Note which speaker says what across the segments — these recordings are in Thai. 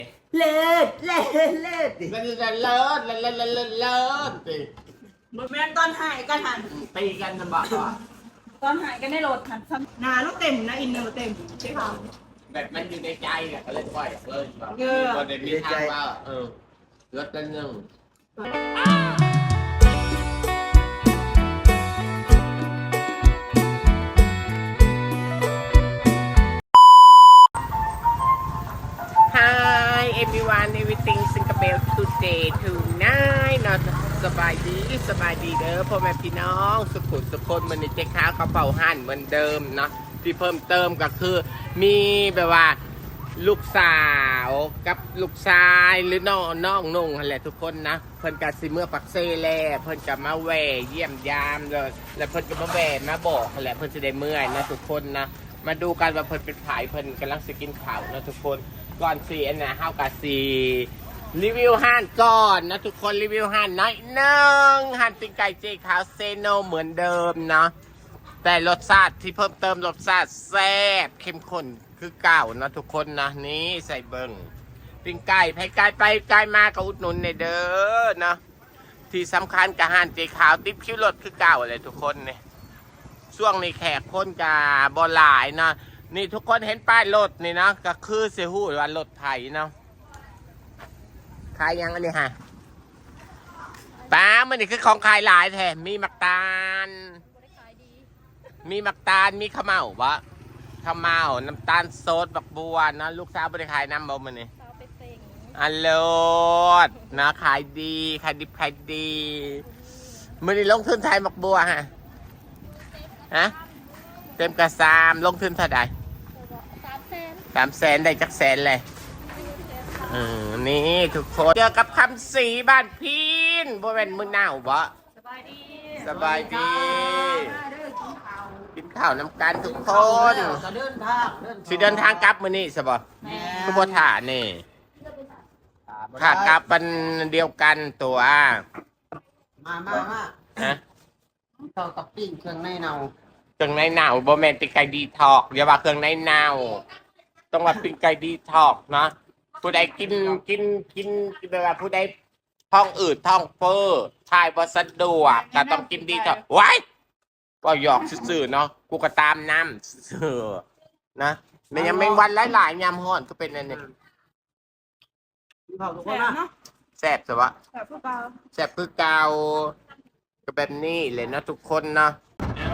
Speaker 1: เลิศเลิศเลิศดิ
Speaker 2: เลิศเลิศเลิศเลิศเลิศเลิศเลิศสิ
Speaker 1: บ่แม่นตอนหายกันหัน
Speaker 2: ตีกันจะบอกว่า
Speaker 1: ตอนหายกันได้โหลดหันซ้ำหนาลูกเต็มนะอินเนอร์เต็มใช่ค่ะ
Speaker 2: แบบมันอยู่ในใจเนี่ยก็เลยปล่อยเลยแบบ
Speaker 1: เออ
Speaker 2: คนเด็กมีทางว่าเลิศละหนึ่ง Hi everyone everything Singapore today tonight เนาะสบายดีเด้อพ่อแม่พี่น้องสุขุมสุขคนมันในเจ๊ค้ากระเป๋าหั่นเหมือนเดิมเนาะที่เพิ่มเติมก็คือมีแบบว่าลูกสาวกับลูกชายหรือน้องนุ่งอะไรทุกคนนะเพิ่นกับซิเมื่อปักเซ่แล่เพิ่นกับมาแหวเยี่ยมยามเลยแล้วเพิ่นก็มาแหวมาบอกแหละเพิ่นจะได้เมื่อยนะทุกคนนะมาดูกันว่าเพิ่นเป็นผายเพิ่นกำลังสิกินข้าวนะทุกคนก่อนสีอันนะเฮากะสีรีวิวห้านก่อนนะทุกคนรีวิวห้านน้อยนึงห้านปิ้งไก่เจ๊ขาวเซโนเหมือนเดิมเนาะแต่รสชาติที่เพิ่มเติมรสชาติแซ่บเข้มข้นคือเก่านะทุกคนนะนี่ใส่เบิงปิ้งไก่ไปไก่ไปไก่มาก็อุดหนุนในเด้อนะที่สำคัญกับห้านเจ๊ขาวติ๊บคิ้วรถคือเก่าเลยทุกคนเนี่ยช่วงนี้แขกคนกับบอหลายนะนี่ทุกคนเห็นป้ายรถนี่นะก็คือเสียหูว่ารถไถเนาะขายยังอันนี้ฮะป้ามันนี่คือของขายหลายแท้มีมักตาลมีมักตาลมีข้าวเม่าวะข้าวเม่าน้ำตาลโซดบักบัวนะลูกสาวบริขายน้ำบ่มันนี่อัลโหลดนะขายดีขายดิบขายดีมันนี่ลงทุนไทยบักบัวฮะเต็มกระซามลงทุนเท่าไหร่300,000ได้จักแสนเลยนี่ทุกคนเจอกับคำสีบ้านพีนบ่เป็นมือหนาวบ่สบายดีกินข้าวน้ำกันทุกคนสิเดินทางกลับมื้อนี้ใช่บ่คือบ่ถ่านี่ขากลับเป็นเดียวกันตัว
Speaker 3: มา
Speaker 2: ฮะ
Speaker 3: เรากับปิ้งเครื่องในเนา
Speaker 2: เครื่องในหนาวบ่แม่นปิ้งไก่ดีทอกอย่าว่าเครื่องในหนาวต้องว่าปิ้งไก่ดีทอกนะผู้ใดกินแบบว่าผู้ใดท้องอืดท้องเฟ้อทายบ่สะดวกก็ต้องกินดีทอกไว้ก็หยอกซื่อๆเนาะกูก็ตามน้ำซื่อๆนะมันยังไม่วันหลายๆยามฮ้อนก็เป็นอันนี้
Speaker 3: พี่เผาทุกค
Speaker 1: แซ่
Speaker 3: น
Speaker 1: บ
Speaker 3: นะ
Speaker 1: เนาะ
Speaker 2: แซ่บสิวะ
Speaker 1: แซ่บพวกเรา
Speaker 2: แซ่บคือเก่าก็แบบนี้เลยนะทุกคนเนาะ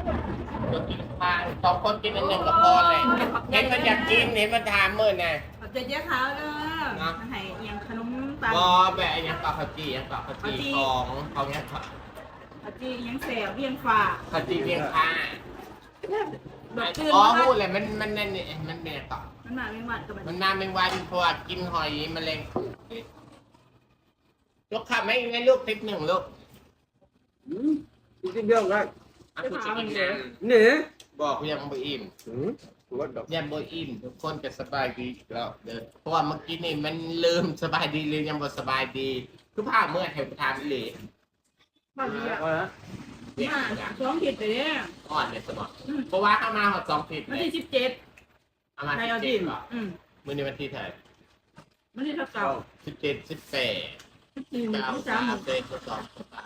Speaker 2: สองคนกินอันหนึ่งก็พอเลยเห็นมันอยากกินเห็นมันถามมื้อน่ะ
Speaker 1: ขอบใจเจ๊ขาวเด้อมาให้เอียงขนมปัง
Speaker 2: ก็แบบอันนี้ปลาข้าวจีอันปลาข้าวจีของเนี้ย
Speaker 1: อาจีเอียงแสบเอียงฝา
Speaker 2: ข้าวจีเพียงค่า
Speaker 1: แบบตื่น
Speaker 2: อ๋อ
Speaker 1: มา
Speaker 2: พูดเลยมันนั่นนี่มันเป็นต่อ
Speaker 1: มันมาไม่หวัดกับมัน
Speaker 2: มันน้ำแมงวันเพราะว่ากินหอยแมลงลูกค้าไม่งั้นลูกทิปหนึ่งลูก
Speaker 3: กินเยอะเลย
Speaker 2: อ่ะคุณจะกินน้
Speaker 3: เนี่ย
Speaker 2: ำบอกยังบ่อิ่ม
Speaker 3: ตัวดอก
Speaker 2: ยังบ่อิ่มทุกคนจะสบายดีอีกแล้วเด้อเพราะว่าเมื่อกี้นี่มันลืมสบายดีเลยยังบ่สบายดีคือภาพเมื่อแถวทานเลย
Speaker 1: บ้านนี้อ่ะ
Speaker 3: ว่า
Speaker 1: มาสองผิดไปเนี่ย
Speaker 2: อ่อนเลยสมองเพราะว่าเข้ามาหอด2 ผิด
Speaker 1: วัน
Speaker 2: เลย
Speaker 1: ที่17
Speaker 2: เอามา
Speaker 1: ในเอา
Speaker 2: 17
Speaker 1: ดิน
Speaker 2: ก่อนมื้อนี้วันที่เท่าไหร่
Speaker 1: วันที่เท่าเก่า
Speaker 2: 17 18
Speaker 1: ที่หนึ่ง
Speaker 2: 9
Speaker 1: ที่สาม
Speaker 2: 3 4 2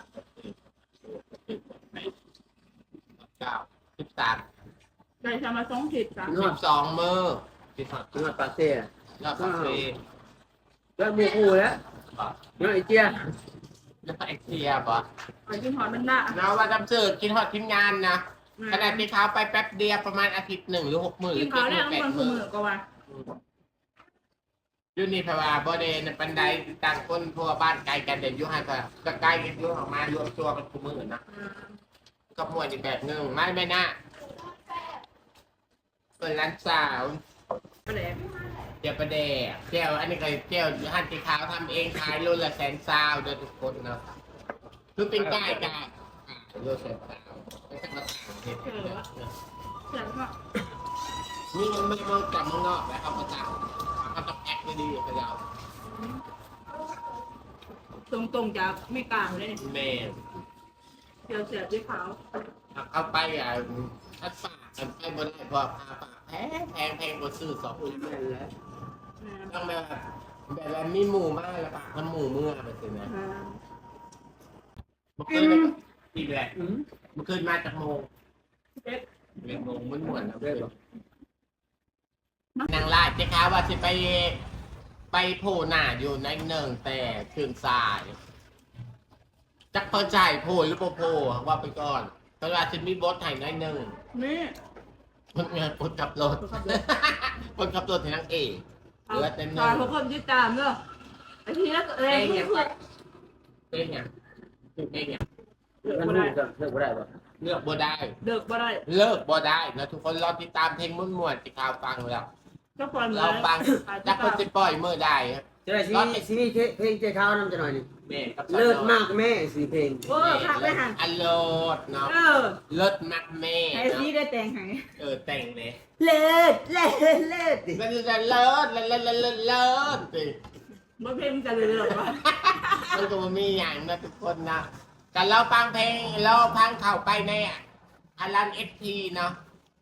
Speaker 2: 13
Speaker 1: ได้ทำมาสองผิดจ้ะ
Speaker 2: 12มื้อที่ทอด
Speaker 3: นวดปลาเซ่
Speaker 2: ยอดคาเฟ่
Speaker 3: แล้วมูกูแล้วนวดไอเจี๊ย
Speaker 2: แล้วก็ไอเทียบ่
Speaker 1: ไปกินหอยมันละ
Speaker 2: เราว่าจำสื่อกินฮอดทีมงานนะขณะที่เขาไปแป๊บเดียวประมาณอาทิตย์1 หรือ 6 มื้อห
Speaker 1: กิ
Speaker 2: รื
Speaker 1: น
Speaker 2: อ
Speaker 1: เขา
Speaker 2: 7
Speaker 1: เนี่ย
Speaker 2: มื้อ
Speaker 1: ต้อง
Speaker 2: 8
Speaker 1: คน
Speaker 2: มื้อ
Speaker 1: มือก็ว่า
Speaker 2: อยู่นี่เพราะว่าบ่ได้ในปันไดต่างคนเพราะว่าบ้านไกลกันเด่นอยู่ห่างกันก็ใกล้กันอยู่ออกมารวมตัวกันทุกมื้อนะก็มวยอีกแบบนึงไม่น่าเปิดร้านสาว
Speaker 1: ไปเลย
Speaker 2: เจียวประเดกเจียวอันนี้ก็เจียวหั่นสีขาวทำเองขายโลละ120,000เด้อทุกคนเนาะคือเป็นใกล้กันโลละ120,000ไม่ใช่มาสั่งเฮ็ดเนาะ
Speaker 1: เสร็จก็
Speaker 2: นี่มันไม่มาจากเมืองนอกแล้วเขาก็สั่งเขาต้องแอคดีๆเขาจะเอา
Speaker 1: ตรงจากไม่กลางเลย
Speaker 2: แม่
Speaker 1: เสียเสียด้วยขาว
Speaker 2: เอาไปถ้าฝากกันไปบนไอ้พอพาฝากแพงกว่าซื้อ2 คน
Speaker 3: แม่นแล้ว
Speaker 2: ต้องแบบแบบว่ามีหมูมากแล้วปะมันหมูเมื่อไปสินะเมื่อคืนอีกแหละเมื่อคืนมาจากโมง11 โมงมันหมดแล้วเลยนางลาดเจ้าค่ะว่าสิไปโผล่หน้าอยู่ในหนึ่งแต่คืนสายจักเปิดใจโผล่หรือโผล่ว่าไปก่อนตลาดจะมีบทไห้ในหนึ่ง
Speaker 1: นี่
Speaker 2: คนงานคนขับรถคนขับรถให้นางเอกเหลือแต่หนึ่
Speaker 1: ตอน
Speaker 2: ง
Speaker 1: ทุกคนติดตามเนอะไอ้ทีแรกเองเพื่อน
Speaker 2: เป็นไงเป็นไง
Speaker 3: มันรู้จักเลิกบ่ได้ป่ะ
Speaker 2: เลือกบ่ได้
Speaker 1: เด็กบ่ได้
Speaker 2: เลิกบ่ได้นะทุกคนรอติดตามเพลงมุ่วนๆที่ข่าวฟังแล้ว
Speaker 1: ก็ปล่อยมา
Speaker 2: เราฟังจักคนจะปล่อยเมื่อได้ครับ
Speaker 3: จะได้ซีรีส์เพลงเจ้าข้าวนำจะหน่อยนี่
Speaker 2: แม่กับ
Speaker 3: เลิศมากแม่สีเพลง
Speaker 1: โอ้ขับไปหัน
Speaker 2: อันโลดเนาะ
Speaker 1: เออ
Speaker 2: เลิศมากแม่
Speaker 1: ไอ้
Speaker 2: เนาะ
Speaker 1: ซีได้แต่งให้
Speaker 2: แต่งเลย
Speaker 3: เลิศเลิศเลิศดิ
Speaker 2: มันจะเลิศสิ
Speaker 1: บ่เพลงจะเลยหรอวะ
Speaker 2: มันก็บ่มีอย่างนะทุกคนนะแต่เราฟังเพลงเราฟังเข้าไปในอลันเอสพีเนาะ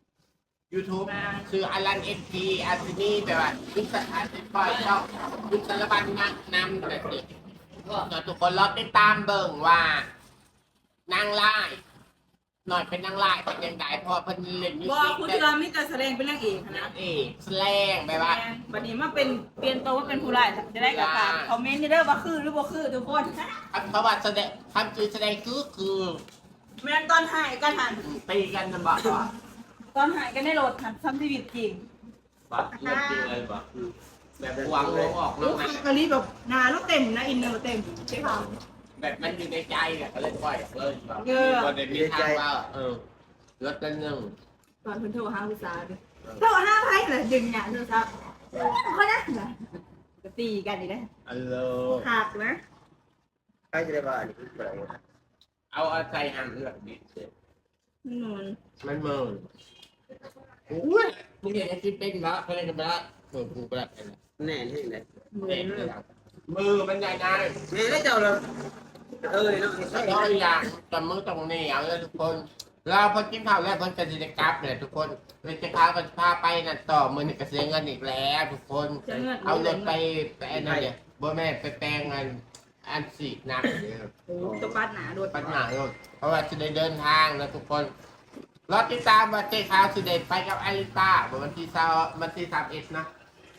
Speaker 2: YouTube คืออลันเอสพีอาร์ตินีแต่ว่าคุณสถานติปล่อยช่องคุณสารบัญนำแบบนี้ก็ทุกคนเราติดตามเบิ่งว่านางไล่หน่อยเป็นนางไล่เป็นยังไงพอเพิ่นเล่นมิว
Speaker 1: บ่
Speaker 2: สิก
Speaker 1: คุณ
Speaker 2: ได้
Speaker 1: เทือมิแต่แสดงเป็นนางเอก
Speaker 2: นา
Speaker 1: นะ
Speaker 2: งเอกแสลงแบบว่า
Speaker 1: บัดนี้มาเป็นเปลี่ยนตัวว่าเป็นผู้ร้ายจะได้กับการคอมเมนต์นี่เด้อว่าคือหรือบ่คือทุกคน
Speaker 2: เพราะว่าแสดงทำจือแสดงคือ
Speaker 1: แม่นตอนหายกันหัน
Speaker 2: ตีกันนะบอกว่า
Speaker 1: ตอนหายกันในรถหันซ้ำชีวิตจริง
Speaker 2: เรื่องจริงเลยบอกแบบหวังออก
Speaker 1: ลู
Speaker 2: มาก
Speaker 1: ค้ากะลีแบบหนาแล้วเต็มนะอินเนอร์เต็มใช่ค่ะ
Speaker 2: แบบมันอยู่ในใจเนี่ยก็เลยปล่อยเลยคนในมีทางว่าลดกันหนึ่ง
Speaker 1: ตอนเพิ่นโทรหาลูกสาวดิโทรหาไผเลยดึงหยาโทรศัพท์เขานะก็ตีกันอีกแล้ว
Speaker 2: อัลโหล
Speaker 1: หักนะ
Speaker 3: ใครจะได้บ้าอันนี้คืออะไร
Speaker 2: เอาใจหันเลือกดิเสร็จ
Speaker 1: นวล
Speaker 2: มันเมินอุ้ยมึงเห็นไอ้ที่เป็นละเขาเล่นกันไปละกูไปละ
Speaker 3: แน่ที่ไหน
Speaker 2: มือมันใหญ่นาย
Speaker 3: แม่ได้เจ้าเลยเอ้ยเนาะ
Speaker 2: แล้วก็อย่างแต่มือตรงนี้เอาเลยทุกคนเราพอกินข้าวแล้วเพิ่นจะดิกราฟเนี่ยทุกคนเลยจะพากันพาไปนั่นต่อมือนี่ก็เสียเงินอีกแล้วทุกคน เอารถไปไอ้นั่นเนี่ยบ่แม่ไปแปลงอันสีหนักเนี่ย
Speaker 1: ตัวปัดหนาโดน
Speaker 2: ปัญหาโยนเพราะว่าจะได้เดินทางนะทุกคนรอติดตามว่าเจ๊ขาวสิเดไปกับอลิต้าวันที่31นะ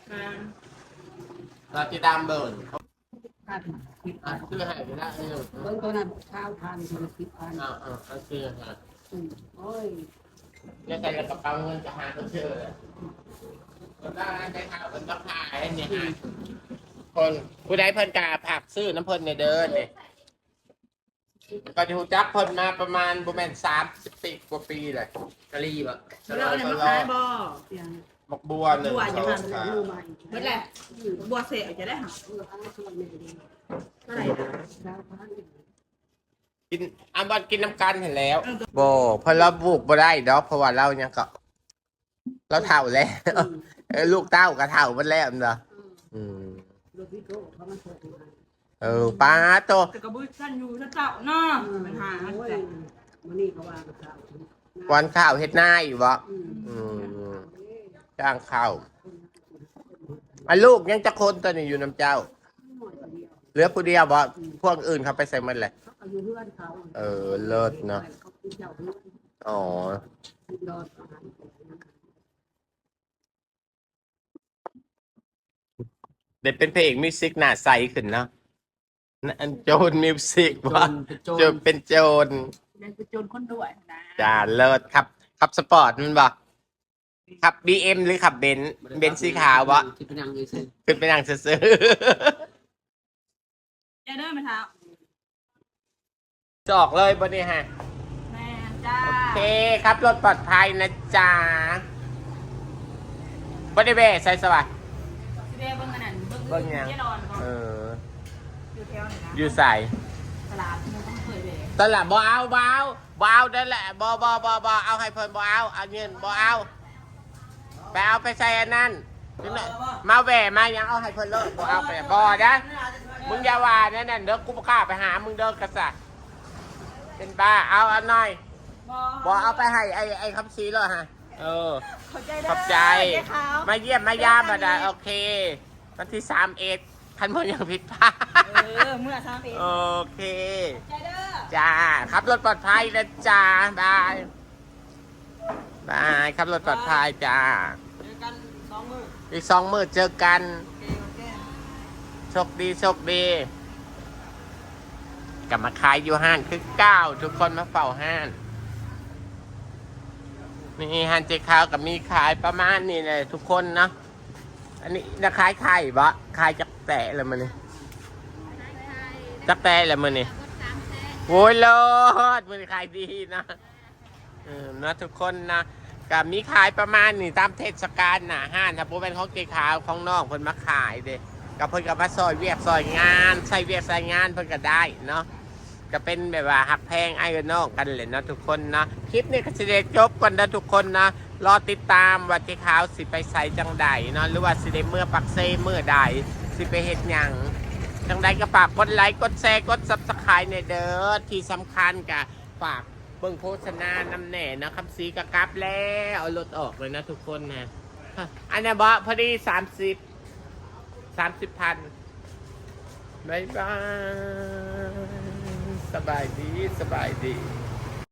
Speaker 2: รอติดตามเบิร์นซื้อให้ไปได้เลย
Speaker 4: เบิ่งตัวนั้นข้าวทานคน10,000
Speaker 2: เอาซื้อให้
Speaker 4: โอ้ย
Speaker 2: แล้วใส่กระเป๋าเงินจะหาก็เชื่อคนได้เจ๊ขาวเป็นต้องหายเนี่ยฮะคนผู้ใดเพิ่นกาผักซื้อน้ำเพิ่นในเดินเนี่ยก็จะจักเพิ่นมาประมาณประมาณ30 กว่าปีเลย
Speaker 3: กะลีบ่
Speaker 1: เราเนี่ยมาขายบ่
Speaker 4: เสียง
Speaker 2: บักบัวหนึ่ง
Speaker 1: บัว
Speaker 2: ส
Speaker 1: จะ
Speaker 2: อง
Speaker 1: มา
Speaker 2: สาม
Speaker 4: รู้ไหม
Speaker 1: เมื่อไหร่บัวเสียจะได้หา
Speaker 4: เอาส่วนแม่ดี
Speaker 1: เท่าไหร่นะ
Speaker 4: ข้าวทาน
Speaker 2: กินอาบันกินน้ำกันเห็นแล้วโบเพราะเราบุกบ่ได้ดอกเพราะว่าเราเนี่ยก็เราเท่าแล้วลูกเต้าก็เท่ามันแล้วเนาะ
Speaker 4: ลูกพี่โตเขามาเสิร์ฟให้
Speaker 2: ป้าโต
Speaker 1: แต่กระบุ้ท่านอยู่ท่านเจ้าเนาะปัญหา
Speaker 4: โอ้ย
Speaker 1: แต่
Speaker 4: มื้อนี้เขาว่ากับข้าว
Speaker 2: วันข้าวเฮ็ดหน้าอยู่บ่
Speaker 4: อืม
Speaker 2: จ้างข้าวลูกยังจะคนตัวนี้อยู่น้ำเจ้า เหลือผู้เดียวบ่พวกอื่นเขาไปใส่มันเลย
Speaker 4: เขาอยู่เพื่อนเขา
Speaker 2: เลิศเนาะ
Speaker 4: เขากินเจ้าเพื่อน
Speaker 2: อ๋อ
Speaker 4: ดอดอาหาร
Speaker 2: เด็ดเป็นเพลงมิวสิกหน้าใสขึ้นเนาะนั่นโจรมิวสิกว่าโจรเป็นโจร
Speaker 1: เดินไปโจรคนด้วยนะ
Speaker 2: จ้าเลิศครับขับสปอร์ตมันบ่ขับ BM หรือขับเบนซ์สีขาวบ่
Speaker 3: ที่เป็นยังไงซิ
Speaker 2: ขึ้นไปนั่งซื้อ
Speaker 1: จะเดินมาเท้า
Speaker 2: ๆจอกเลยบ่นี่ฮะ
Speaker 1: แม่จ้า
Speaker 2: โอเคครับรถปลอดภัยนะจ๊ะบ่ได้เบ้ใส่สวัสดิ์
Speaker 1: เรียกเบิ้งอันนั้นเบิ้ง
Speaker 2: เบิ่งหยัง
Speaker 1: เจ๊ดอนก่อน
Speaker 2: อยู่
Speaker 1: อยู่แถวไหนนะ
Speaker 2: อยู่ใส่
Speaker 1: ตลาดมึงต้องเคยเลย
Speaker 2: ตอนหลังบ่เอานั่นแหละบ่เอาให้เพิ่นบ่เอาเงินบ่เอาไปเอาไปใส่อันนั้นมาแหวมายังเอาให้เพิ่นเลยบ่เอาไปบ่นะมึงอย่าว่านั่นน่ะเด้อกูบ่กล้าไปหามึงเด้อกษัตริย์เป็นบ้าเอาอันหน่อยบ่เอาไปให้ไอ้คำซีเลยฮะ
Speaker 1: ขอบใจ
Speaker 2: ขอบใจ
Speaker 1: เจ๊ขาว
Speaker 2: มาเยี่ยมมายามมาได้โอเควันที่31 คันบ่ยังผิดพลาด
Speaker 1: เมื่อ3ปี
Speaker 2: โอเค
Speaker 1: ใจเด้อ
Speaker 2: จ้าขับรถปลอดภัยนะจ้าบายบายขับรถปลอดภัยจ้า
Speaker 4: เจอกัน2 มื้อ
Speaker 2: อีก2 มื้อเจอกัน
Speaker 4: โอเค
Speaker 2: โชคดีโชคดีกลับมาขายอยู่ห้านคือ9ทุกคนมาเฝ้าห้านนี่ห้านเจ๊ขาวกับมีขายประมาณนี้เลยทุกคนเนาะอันนี้นะขายไข่บะขายจักแตะเลยมันนี่จักแตะเลยมันนี่โอ้ยโลดมันขายดีนะนะทุกคนนะกับมีขายประมาณนี้ตามเทศกาลนะห้านถ้าพูดเป็นของเจ๊ขาวของน้องเพิ่นมาขายเด้กับเพิ่นกับมาซอยเวียกซอยงานใส่เวียกใส่งานเพิ่นก็ได้เนาะก็เป็นแบบว่าหักแพงไอ้กับน้องกันเลยนะทุกคนนะคลิปนี้ก็จะได้จบกันนะทุกคนนะรอติดตามว่าเจ๊ขาวสิไปใส่จังใดเนาะหรือว่าสิได้เมื่อปักเซเมื่อใดสิไปเฮ็ดหยังจังใดก็ฝากกดไลค์กดแชร์กด Subscribe ในเด้อที่สำคัญก็ฝากเบิ่งโฆษณานำแหน่นะคำซีกะกลับแล้วเอารถออกเลยนะทุกคนนะอันนี้บอพอดี30,000บายบายสบายดี